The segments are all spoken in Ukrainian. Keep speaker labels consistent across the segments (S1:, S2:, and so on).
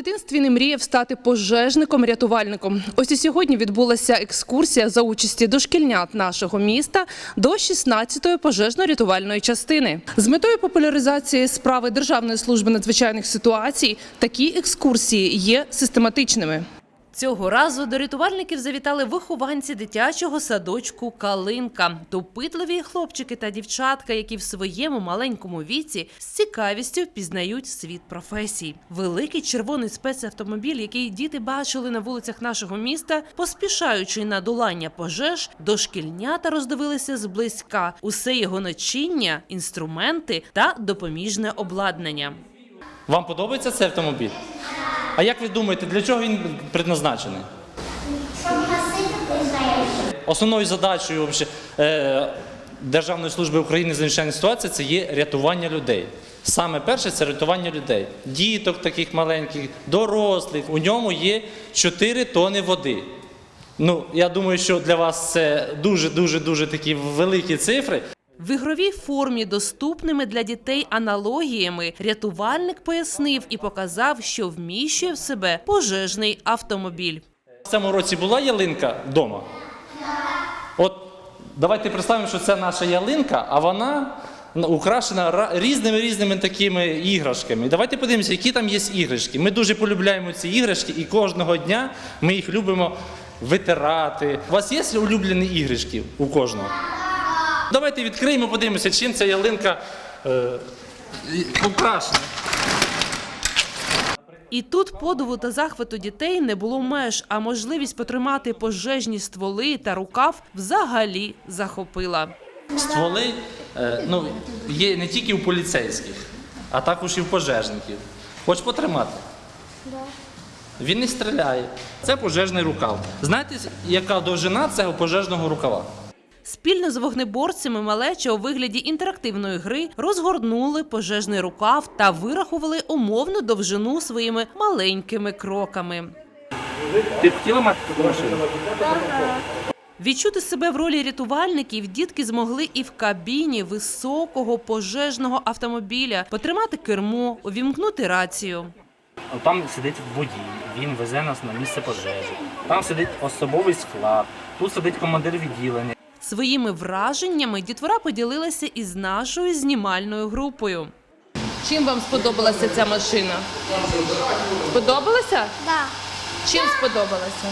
S1: дитинстві не мріяв стати пожежником-рятувальником. Ось і сьогодні відбулася екскурсія за участі дошкільнят нашого міста до 16-ї пожежно-рятувальної частини. З метою популяризації справи Державної служби надзвичайних ситуацій такі екскурсії є систематичними. Цього разу до рятувальників завітали вихованці дитячого садочку «Калинка». Допитливі хлопчики та дівчатка, які в своєму маленькому віці з цікавістю впізнають світ професій. Великий червоний спецавтомобіль, який діти бачили на вулицях нашого міста, поспішаючи на долання пожеж, дошкільнята роздивилися зблизька. Усе його начиння, інструменти та допоміжне обладнання.
S2: Вам подобається цей автомобіль? А як ви думаєте, для чого він предназначений?
S3: Щоб гасити пожежі.
S2: Основною задачею Державної служби України з надзвичайних ситуацій – це є рятування людей. Саме перше – це рятування людей. Діток таких маленьких, дорослих. У ньому є 4 тони води. Я думаю, що для вас це дуже такі великі цифри.
S1: В ігровій формі, доступними для дітей аналогіями, рятувальник пояснив і показав, що вміщує в себе пожежний автомобіль.
S2: В цьому році була ялинка вдома? От давайте представимо, що це наша ялинка, а вона украшена різними такими іграшками. Давайте подивимося, які там є іграшки. Ми дуже полюбляємо ці іграшки і кожного дня ми їх любимо витирати. У вас є улюблені іграшки у кожного? Давайте відкриємо, подивимося, чим ця ялинка украшена.
S1: І тут подиву та захвату дітей не було меж, а можливість потримати пожежні стволи та рукав взагалі захопила.
S2: Стволи є не тільки у поліцейських, а також і в пожежників. Хочеш потримати?
S3: Да.
S2: Він не стріляє. Це пожежний рукав. Знаєте, яка довжина цього пожежного рукава?
S1: Спільно з вогнеборцями малеча у вигляді інтерактивної гри розгорнули пожежний рукав та вирахували умовну довжину своїми маленькими кроками.
S2: Ти б хотіла мати таку машину?
S1: Відчути себе в ролі рятувальників дітки змогли і в кабіні високого пожежного автомобіля, потримати кермо, увімкнути рацію.
S4: Там сидить водій, він везе нас на місце пожежі. Там сидить особовий склад, тут сидить командир відділення.
S1: Своїми враженнями дітвора поділилася із нашою знімальною групою. Чим вам сподобалася ця машина? Сподобалася?
S3: Да.
S1: Чим сподобалася?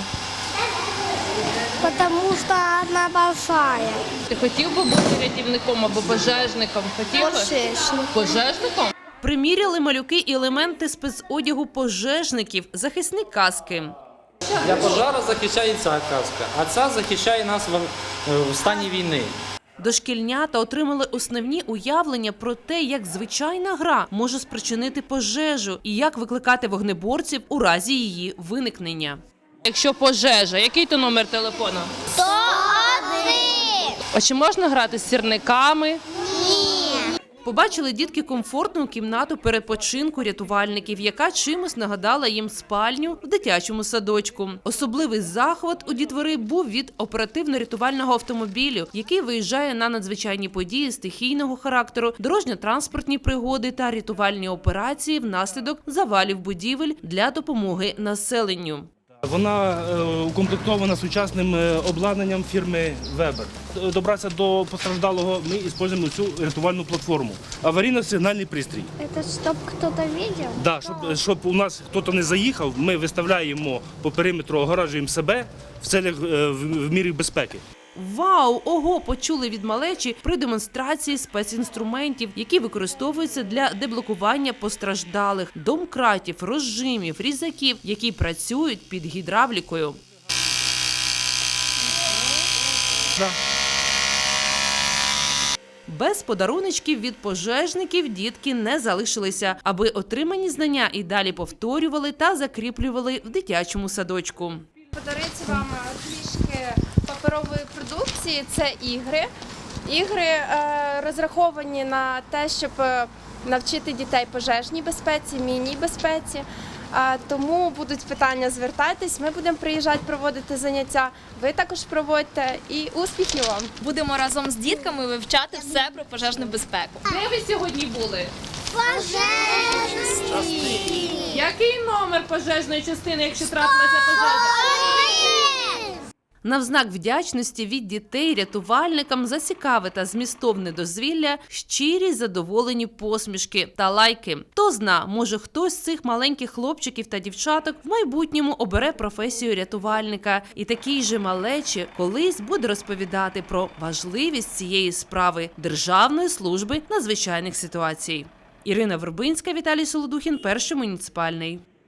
S3: Потому что она большая.
S1: Ти хотів би бути рятівником або пожежником? Хотів би?
S3: Пожежник.
S1: Пожежником? Приміряли малюки і елементи спецодягу пожежників, захисні каски.
S2: Для пожежу захищає ця каска, а ця захищає нас в стані війни.
S1: Дошкільнята отримали основні уявлення про те, як звичайна гра може спричинити пожежу і як викликати вогнеборців у разі її виникнення. Якщо пожежа, який то номер телефону?
S3: 101.
S1: А чи можна грати з сірниками?
S3: Ні.
S1: Побачили дітки комфортну кімнату перепочинку рятувальників, яка чимось нагадала їм спальню в дитячому садочку. Особливий захват у дітвори був від оперативно-рятувального автомобілю, який виїжджає на надзвичайні події стихійного характеру, дорожньо-транспортні пригоди та рятувальні операції внаслідок завалів будівель для допомоги населенню.
S5: Вона укомплектована сучасним обладнанням фірми Weber. Добратися до постраждалого ми використовуємо цю рятувальну платформу. Аварійно-сигнальний пристрій.
S3: Это чтоб кто-то видел?
S5: Да, щоб у нас хтось не заїхав, ми виставляємо по периметру, огоражуємо себе в целях в мірі безпеки.
S1: Вау! Ого! Почули від малечі при демонстрації спецінструментів, які використовуються для деблокування постраждалих, домкратів, розжимів, різаків, які працюють під гідравлікою. Без подаруночків від пожежників дітки не залишилися, аби отримані знання і далі повторювали та закріплювали в дитячому садочку.
S6: Подарити вам трішки паперової продукції – це ігри. Ігри розраховані на те, щоб навчити дітей пожежній безпеці, мінній безпеці. Тому будуть питання, звертайтесь, ми будемо приїжджати проводити заняття, ви також проводьте і успіхів вам!
S7: Будемо разом з дітками вивчати все про пожежну безпеку.
S1: Де ви сьогодні були?
S3: Пожежний.
S1: Який номер пожежної частини, якщо трапилася пожежа? Навзнак вдячності від дітей рятувальникам за цікаве та змістовне дозвілля, щирі задоволені посмішки та лайки. Хто зна, може хтось з цих маленьких хлопчиків та дівчаток в майбутньому обере професію рятувальника і такій же малечі колись буде розповідати про важливість цієї справи Державної служби надзвичайних ситуацій. Ірина Вербинська, Віталій Солодухін, Перший муніципальний.